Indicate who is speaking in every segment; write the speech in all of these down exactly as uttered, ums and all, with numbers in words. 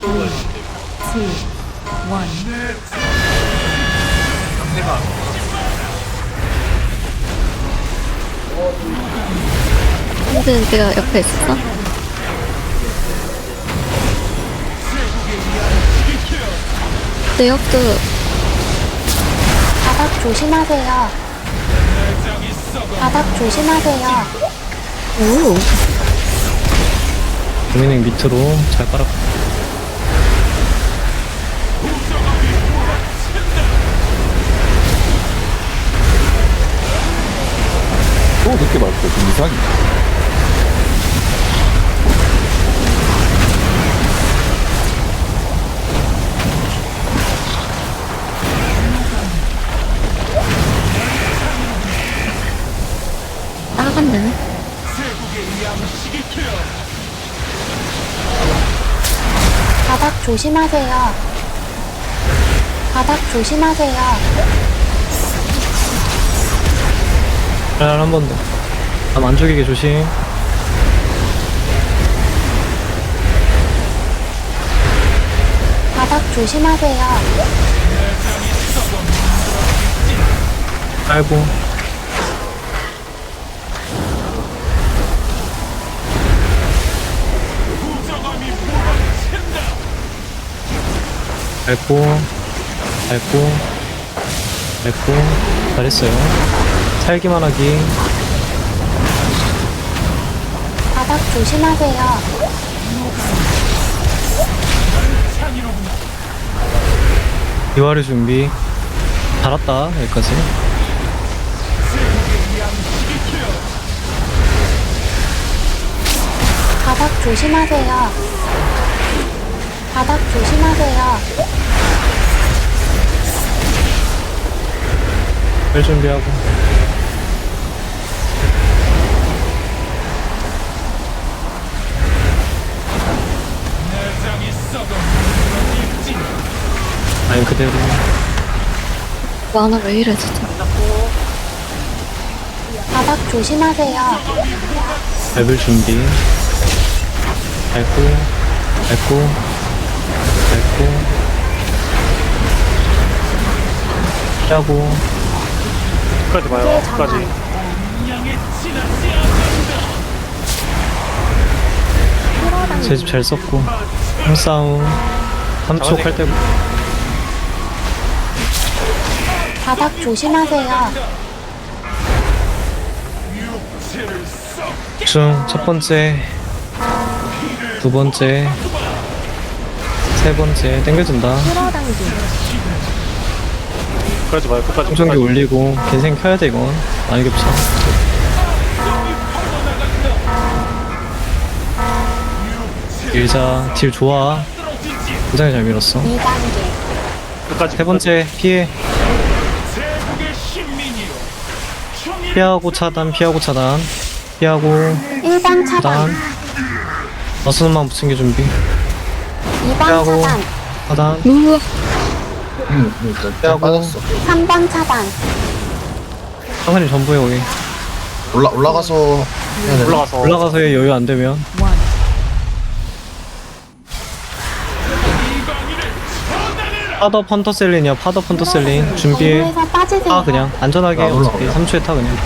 Speaker 1: 근데 내가 옆에 있었어? 내 옆도
Speaker 2: 바닥 조심하세요. 바닥 조심하세요.
Speaker 1: 오
Speaker 3: 도미닉 밑으로 잘 깔아.
Speaker 4: 또 늦게 봤어. 좀 이상해.
Speaker 1: 나갔네.
Speaker 2: 바닥 조심하세요. 바닥 조심하세요.
Speaker 3: 한 번 더. 남 안 죽이게 조심.
Speaker 2: 바닥 조심하세요.
Speaker 3: 깔고. 밟고, 밟고, 밟고, 잘했어요. 살기만 하기.
Speaker 2: 바닥 조심하세요.
Speaker 3: 이화를 준비. 달았다, 여기까지.
Speaker 2: 바닥 조심하세요. 바닥 조심하세요.
Speaker 3: 별 준비하고. 아니, 그대로.
Speaker 1: 만화 왜 이래 진짜.
Speaker 2: 바닥 조심하세요.
Speaker 3: 밟을 준비. 밟고, 밟고, 밟고. 피하고.
Speaker 5: 끝까지 봐요. 끝까지.
Speaker 3: 제 집 잘 썼고. 힘싸움. 삼 초 할 때.
Speaker 2: 바닥 조심하세요.
Speaker 3: 중, 첫 번째. 두 번째. 세 번째. 땡겨준다.
Speaker 5: 끝까지 봐요. 끝까지.
Speaker 3: 충전기 올리고. 겐생 켜야 돼, 이건. 많이 겹쳐. 밀자. 딜 좋아. 굉장히 잘 밀었어.
Speaker 2: 이 단계.
Speaker 5: 끝까지.
Speaker 3: 세 번째, 피해. 피하고 차단, 피하고 차단. 피하고
Speaker 2: 일 번 차단.
Speaker 3: 차단. 어스만 붙이기 준비.
Speaker 2: 이 번
Speaker 3: 피하고.
Speaker 2: 차단.
Speaker 3: 차단.
Speaker 1: 우와
Speaker 4: 응, 일단
Speaker 3: 빼하고.
Speaker 4: 빠졌어.
Speaker 2: 삼 번 차단.
Speaker 3: 상관이 전부에 오게.
Speaker 4: 올라 올라가서 해야 되나?
Speaker 5: 올라가서.
Speaker 3: 올라가서의 여유 안 되면. 파더 펀터셀린이야. 파더 펀터셀린 준비해.
Speaker 2: 경로에서 빠지세요.
Speaker 3: 타 그냥 안전하게.
Speaker 4: 아, 올라가.
Speaker 3: 어차피 삼 초에 타 그냥.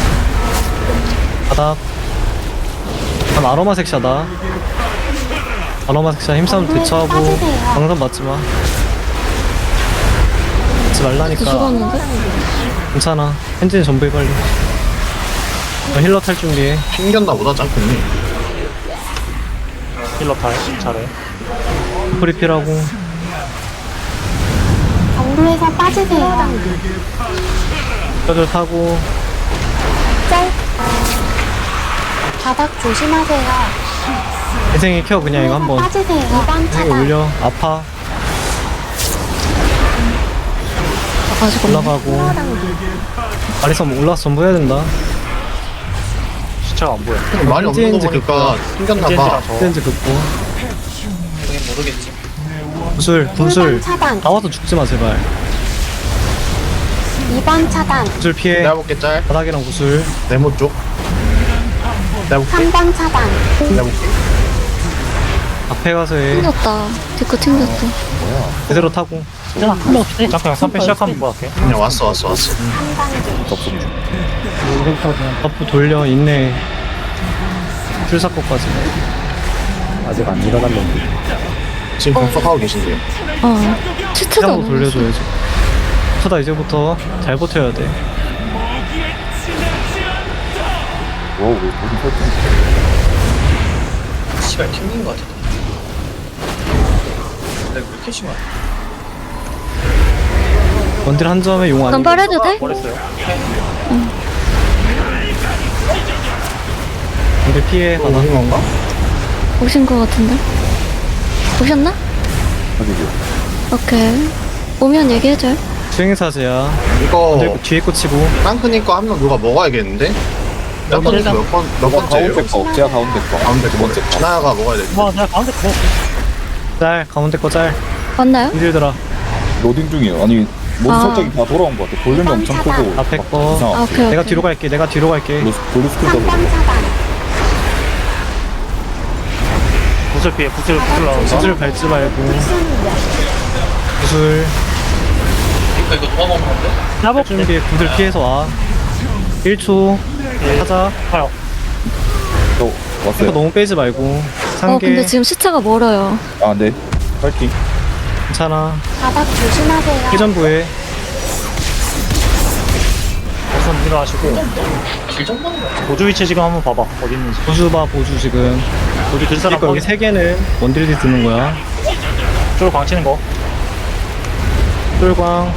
Speaker 3: 바닥. 난 아로마 색샤다. 아로마 색샤 힘싸움 대처하고. 방선 맞지마. 맞지 말라니까.
Speaker 1: 죽었는데?
Speaker 3: 괜찮아. 현진이 전부해 빨리. 너 힐러 탈 준비해.
Speaker 4: 튕겼나 보다 짱크니.
Speaker 5: 힐러 타임. 잘해.
Speaker 3: 프리필하고.
Speaker 2: 경로에서 빠지세요.
Speaker 3: 뼈들 타고.
Speaker 2: 짤. 바닥 조심하세요.
Speaker 3: 인생이 켜 그냥 이거 한번.
Speaker 2: 빠지세요. 이 번
Speaker 3: 인생이
Speaker 2: 차단.
Speaker 3: 올려. 아파.
Speaker 1: 아직 없네.
Speaker 3: 올라가고. 아리서 올라서 전부 해야 된다.
Speaker 5: 시차가 안 보여.
Speaker 4: 많이 없는 거
Speaker 3: 겐지
Speaker 4: 보니까 튕겼나 봐.
Speaker 5: 겐지랑 저.
Speaker 3: 렌즈 긋고. 구슬, 구슬.
Speaker 2: 일 번 차단.
Speaker 3: 나와서 죽지 마, 제발.
Speaker 2: 이 번 차단.
Speaker 3: 구슬 피해.
Speaker 4: 내가 볼게 짤.
Speaker 3: 바닥이랑 구슬.
Speaker 4: 네모 쪽. 내가 볼게.
Speaker 2: 삼 번 차단.
Speaker 4: 내가 볼게.
Speaker 3: 앞에 가서 해.
Speaker 1: 튕겼다. 디코 튕겼다.
Speaker 3: 그대로 타고.
Speaker 5: 잠깐 그냥 삼 패 시작하면 뭐 할게.
Speaker 4: 그냥 왔어 왔어 왔어.
Speaker 3: 앞으로 돌려 인내. 출사코까지.
Speaker 6: 아직 안 일어났는데.
Speaker 4: 지금 분석하고 계신데요.
Speaker 1: 어. 치트도
Speaker 3: 한번
Speaker 1: 안
Speaker 3: 돌려줘야지. 쳐다 이제부터 잘 버텨야 돼.
Speaker 6: 와, 왜 거기 설정?
Speaker 7: 씨발 튕긴 거 같아. 내가 왜 이렇게 심하?
Speaker 3: 원딜 한 점에 용 아니고.
Speaker 1: 간발해도 돼?
Speaker 5: 버렸어요.
Speaker 3: 원딜 피해
Speaker 4: 어,
Speaker 3: 하나.
Speaker 4: 오신 건가?
Speaker 1: 오신 거 같은데? 오셨나?
Speaker 6: 어디죠?
Speaker 1: 오케이. 오면 얘기해줘요.
Speaker 3: 수행사제야.
Speaker 4: 이거
Speaker 3: 원딜 뒤에 꽂히고.
Speaker 4: 땅크님 거 한 명 누가 먹어야겠는데? 땅크님 몇번 몇 번째예요?
Speaker 6: 가운데 거, 제가 가운데 거.
Speaker 4: 가운데
Speaker 6: 두 번째 거.
Speaker 4: 진아가 먹어야 될 듯.
Speaker 5: 와 내가 가운데 거.
Speaker 3: 짤 가운데 거 짤.
Speaker 1: 맞나요?
Speaker 3: 힘들더라.
Speaker 6: 로딩 중이에요. 아니, 모든
Speaker 1: 아.
Speaker 6: 설정이 다 돌아온 것 같아. 볼륨이 엄청 크고.
Speaker 3: 앞에
Speaker 6: 막
Speaker 3: 거.
Speaker 6: 이상하고.
Speaker 1: 아, 오케이.
Speaker 3: 내가
Speaker 1: 오케이.
Speaker 3: 뒤로 갈게. 내가 뒤로 갈게.
Speaker 6: 블루, 블루 스쿨도
Speaker 2: 삼 번 차단.
Speaker 5: 구슬 피해 구슬 구슬 나온다.
Speaker 3: 구슬 밟지 말고.
Speaker 2: 무슨
Speaker 3: 구슬.
Speaker 7: 그러니까 이거 누가 먹는 건데?
Speaker 5: 잡아
Speaker 3: 준비해. 구슬 피해서 와. 일 초. 하자.
Speaker 5: 가요.
Speaker 6: 또
Speaker 3: 이거
Speaker 6: 왔어요.
Speaker 3: 너무 빼지 말고.
Speaker 1: 어,
Speaker 3: 상계.
Speaker 1: 근데 지금 시차가 멀어요.
Speaker 6: 아, 네. 파이팅.
Speaker 3: 괜찮아.
Speaker 2: 바닥 조심하세요.
Speaker 3: 회전부에.
Speaker 5: 우선 일어나시고
Speaker 7: 길좀 보는 거야.
Speaker 5: 보조 위치 지금 한번 봐봐 어디 있는지.
Speaker 3: 보주 봐 보주 지금.
Speaker 5: 여기 들 사람
Speaker 3: 그러니까 여기 세 개는 원딜이 드는 거야.
Speaker 5: 쪽으로 광치는 거.
Speaker 3: 쫄광.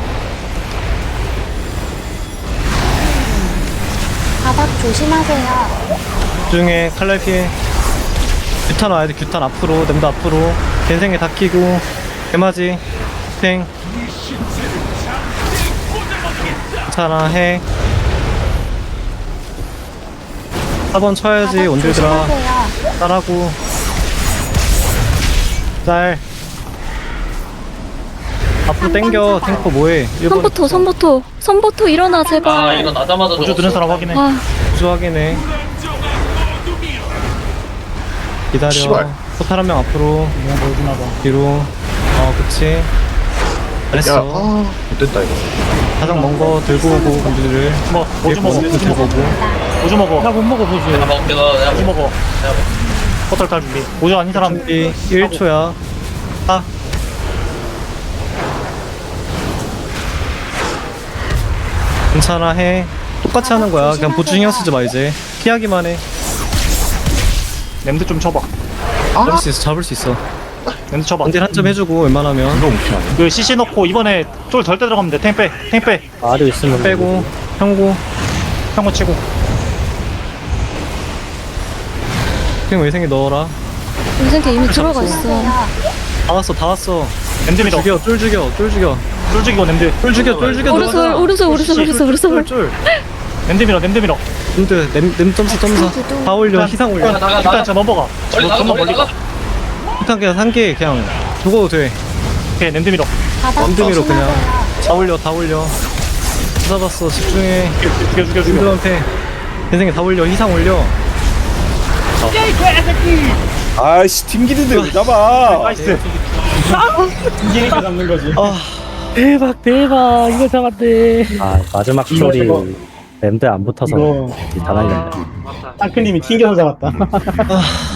Speaker 2: 바닥 조심하세요.
Speaker 3: 중에 칼날 피해. 규탄 와야 돼. 규탄 앞으로. 냄도 앞으로. 겐생에 다 키고. 개맞이. 팽. 괜찮아 해. 사 번 쳐야지
Speaker 2: 바닥
Speaker 3: 원딜들아.
Speaker 2: 조심하세요.
Speaker 3: 짤하고. 짤. 앞으로 땡겨. 탱커 뭐해. 일 번
Speaker 1: 선보토, 선보토. 선보토 일어나,
Speaker 7: 아
Speaker 1: 제발.
Speaker 7: 이거 나자마자
Speaker 5: 보조 드는 사람 확인해.
Speaker 1: 아,
Speaker 3: 구조 확인해. 기다려.
Speaker 4: 씨발.
Speaker 3: 포탈 한 명 앞으로.
Speaker 5: 그냥 보여주나 봐.
Speaker 3: 뒤로. 어 그치.
Speaker 4: 야,
Speaker 3: 잘했어.
Speaker 4: 아, 못됐다 이거.
Speaker 3: 가장 먼 거 들고 오고 건드들.
Speaker 5: 뭐 보조 먹어 보조
Speaker 3: 들고
Speaker 5: 먹어
Speaker 3: 오고.
Speaker 5: 보조 먹어. 나 못 먹어 보조.
Speaker 7: 내가 먹을게 너 내가
Speaker 5: 보조
Speaker 7: 먹을게.
Speaker 5: 먹어. 포털 탈 준비. 보조 아닌 사람
Speaker 3: 준비 일 초야. 아. 괜찮아 해. 똑같이 하는 거야. 그냥 보충 신경 쓰지 마 이제. 피하기만 해.
Speaker 5: 냄새 좀 쳐봐.
Speaker 3: 잡을 수 있어. 잡을 수 있어.
Speaker 5: 냄새 쳐봐.
Speaker 3: 원딜 한 점 해주고 웬만하면
Speaker 4: 이거 못피하네.
Speaker 5: 그 씨씨 넣고 이번에 쫄 덜 때 들어가면 돼. 탱 빼. 탱 빼.
Speaker 6: 아래 있으면
Speaker 3: 빼고 평고.
Speaker 5: 평고 치고.
Speaker 3: 그냥 외생에 넣어라.
Speaker 1: 인생께 이미 들어가 있어.
Speaker 3: 다 왔어 다 왔어.
Speaker 5: 냄새 밀어.
Speaker 3: 죽여 쫄 죽여 쫄 죽여
Speaker 5: 쫄 죽이고 냄새.
Speaker 3: 쫄 죽여 쫄 죽여.
Speaker 1: 오른손,
Speaker 3: 들어가자.
Speaker 1: 오른손, 오른손, 오른손, 오른손.
Speaker 3: 쫄.
Speaker 5: 냄새 밀어. 냄새 밀어.
Speaker 3: 근데 냄, 냄 점수 점수 다 올려 희상 올려.
Speaker 7: 나가
Speaker 5: 일단
Speaker 7: 나가.
Speaker 5: 저 넘어가.
Speaker 7: 멀리 나가
Speaker 5: 전부
Speaker 7: 멀리
Speaker 5: 멀리 가.
Speaker 7: 나가.
Speaker 3: 일단 그냥 상계 그냥 죽어도 돼.
Speaker 5: 오케이 냄새 밀어.
Speaker 2: 바닥
Speaker 3: 원드미로 그냥
Speaker 2: 조심하세요.
Speaker 3: 다 올려 다 올려. 잡았어 집중해.
Speaker 5: 죽여 죽여 죽여.
Speaker 3: 인드한테 인생에 다 올려 희상 올려.
Speaker 6: 아이씨, 튕기는데 왜 잡아?
Speaker 5: 나이스.
Speaker 8: 대박 대박 이거 잡았대.
Speaker 6: 아, 마지막 쇼리 랜드 안 붙어서 다 날렸네.
Speaker 8: 땅크님이 튕겨서 잡았다.
Speaker 3: 아